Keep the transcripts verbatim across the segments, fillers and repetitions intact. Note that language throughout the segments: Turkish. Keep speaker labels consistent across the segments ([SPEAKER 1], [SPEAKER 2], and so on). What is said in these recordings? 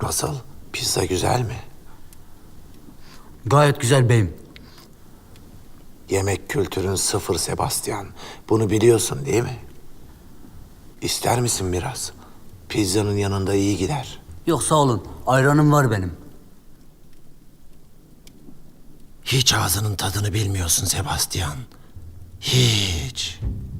[SPEAKER 1] Nasıl? Pizza güzel mi?
[SPEAKER 2] Gayet güzel beyim.
[SPEAKER 1] Yemek kültürün sıfır Sebastian. Bunu biliyorsun değil mi? İster misin biraz? Pizzanın yanında iyi gider.
[SPEAKER 2] Yok sağ olun. Ayranım var benim.
[SPEAKER 1] Hiç ağzının tadını bilmiyorsun Sebastian. Hiç.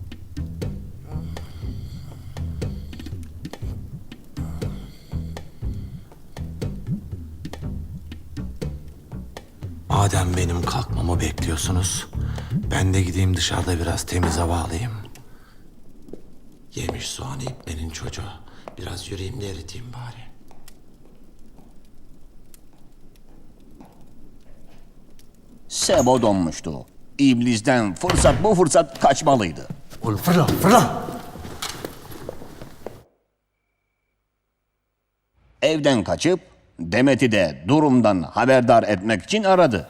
[SPEAKER 1] Madem benim kalkmamı bekliyorsunuz, ben de gideyim dışarıda biraz temiz hava alayım. Yemiş soğanı iplerin çocuğu. Biraz yürüyeyim de eriteyim bari.
[SPEAKER 3] Sebo donmuştu. İblis'ten fırsat bu fırsat kaçmalıydı.
[SPEAKER 2] Oğlum fırla fırla.
[SPEAKER 3] Evden kaçıp Demet'i de durumdan haberdar etmek için aradı.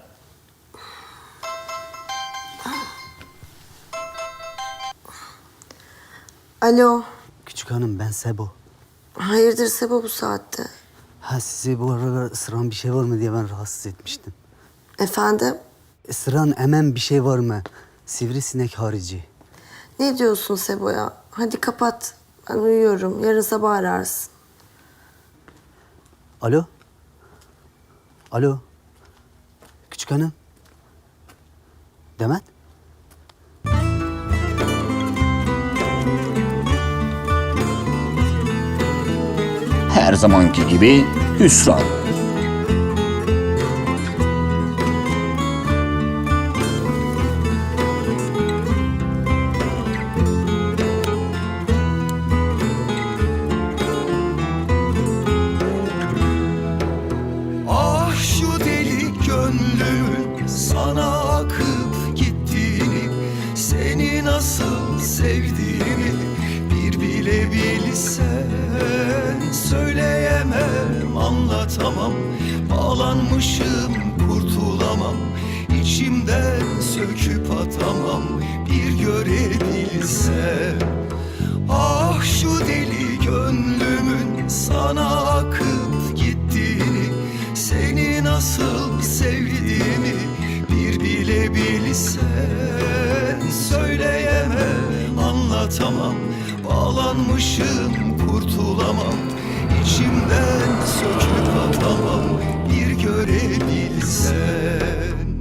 [SPEAKER 4] Alo.
[SPEAKER 2] Küçük hanım ben Sebo.
[SPEAKER 4] Hayırdır Sebo bu saatte?
[SPEAKER 2] Ha size bu aralar ısıran bir şey var mı diye ben rahatsız etmiştim.
[SPEAKER 4] Efendim?
[SPEAKER 2] Isıran emen bir şey var mı? Sivrisinek harici.
[SPEAKER 4] Ne diyorsun Sebo ya? Hadi kapat. Ben uyuyorum. Yarın sabah ararsın.
[SPEAKER 2] Alo? Alo? Küçük hanım? Demet?
[SPEAKER 3] Her zamanki gibi hüsran.
[SPEAKER 5] Ah şu deli gönlümün sana akıp gittiğini, seni nasıl sevdiğimi bir bile bilsen. Söyleyemem, anlatamam, bağlanmışım kurtulamam, içimden söküp atamam bir görebilsem. Ah şu deli gönlümün sana akıp gittiğini, seni nasıl sevdiğimi bir bile bilsen. Söyleyemem, anlatamam, bağlanmışım kurtulamam, içimden söküp atamam bir görebilsen.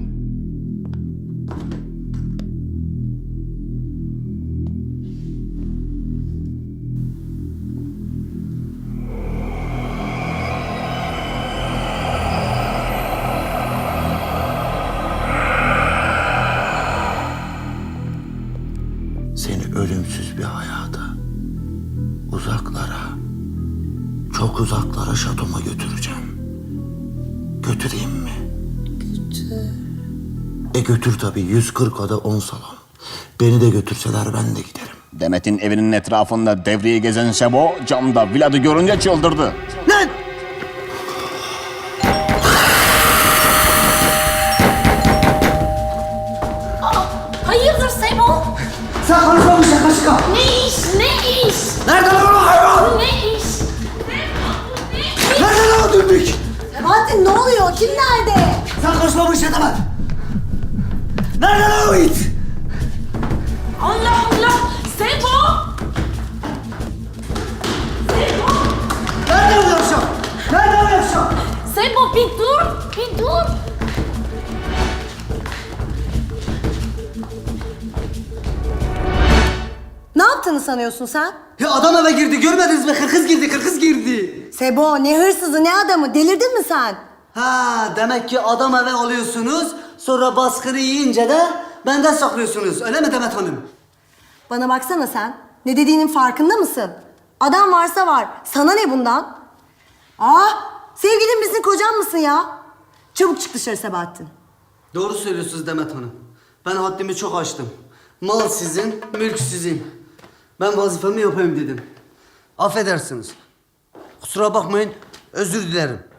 [SPEAKER 1] Seni ölümsüz bir hayata, uzaklara, çok uzaklara şatoma götüreceğim. Götüreyim mi?
[SPEAKER 4] Götür.
[SPEAKER 1] E götür tabii, yüz kırk ada on salon. Beni de götürseler ben de giderim.
[SPEAKER 3] Demet'in evinin etrafında devriye gezen Sebo camda Vlad'ı görünce çıldırdı.
[SPEAKER 2] Lan!
[SPEAKER 6] Hayırdır Sebo?
[SPEAKER 2] Sen konuşma bu şaka şaka.
[SPEAKER 6] Ne iş? Ne iş?
[SPEAKER 2] Nerede lan o hayvan?
[SPEAKER 6] Ne iş?
[SPEAKER 2] Nerede lan o dümbük?
[SPEAKER 4] Sebahattin ne oluyor? Kim nerede?
[SPEAKER 2] Sen konuşma bu işe Demet. Nerede lan o it?
[SPEAKER 6] Allah Allah! Sebo! Sebo!
[SPEAKER 2] Nerede o yavşak? Nerede o yavşak?
[SPEAKER 6] Sebo bir dur! Bir dur!
[SPEAKER 4] Ne yaptığını sanıyorsun sen?
[SPEAKER 2] Ya adam eve girdi görmediniz mi? Kırkız girdi, kırkız girdi.
[SPEAKER 4] Sebo ne hırsızı ne adamı delirdin mi sen?
[SPEAKER 2] Ha demek ki adam eve alıyorsunuz, sonra baskını yiyince de benden saklıyorsunuz. Öyle mi Demet Hanım?
[SPEAKER 4] Bana baksana sen. Ne dediğinin farkında mısın? Adam varsa var. Sana ne bundan? Ah, sevgilin misin kocan mısın ya? Çabuk çık dışarı Sebahattin.
[SPEAKER 2] Doğru söylüyorsunuz Demet Hanım. Ben haddimi çok aştım. Mal sizin, mülk sizin. Ben vazifemi yapayım dedim. Affedersiniz. Kusura bakmayın, özür dilerim.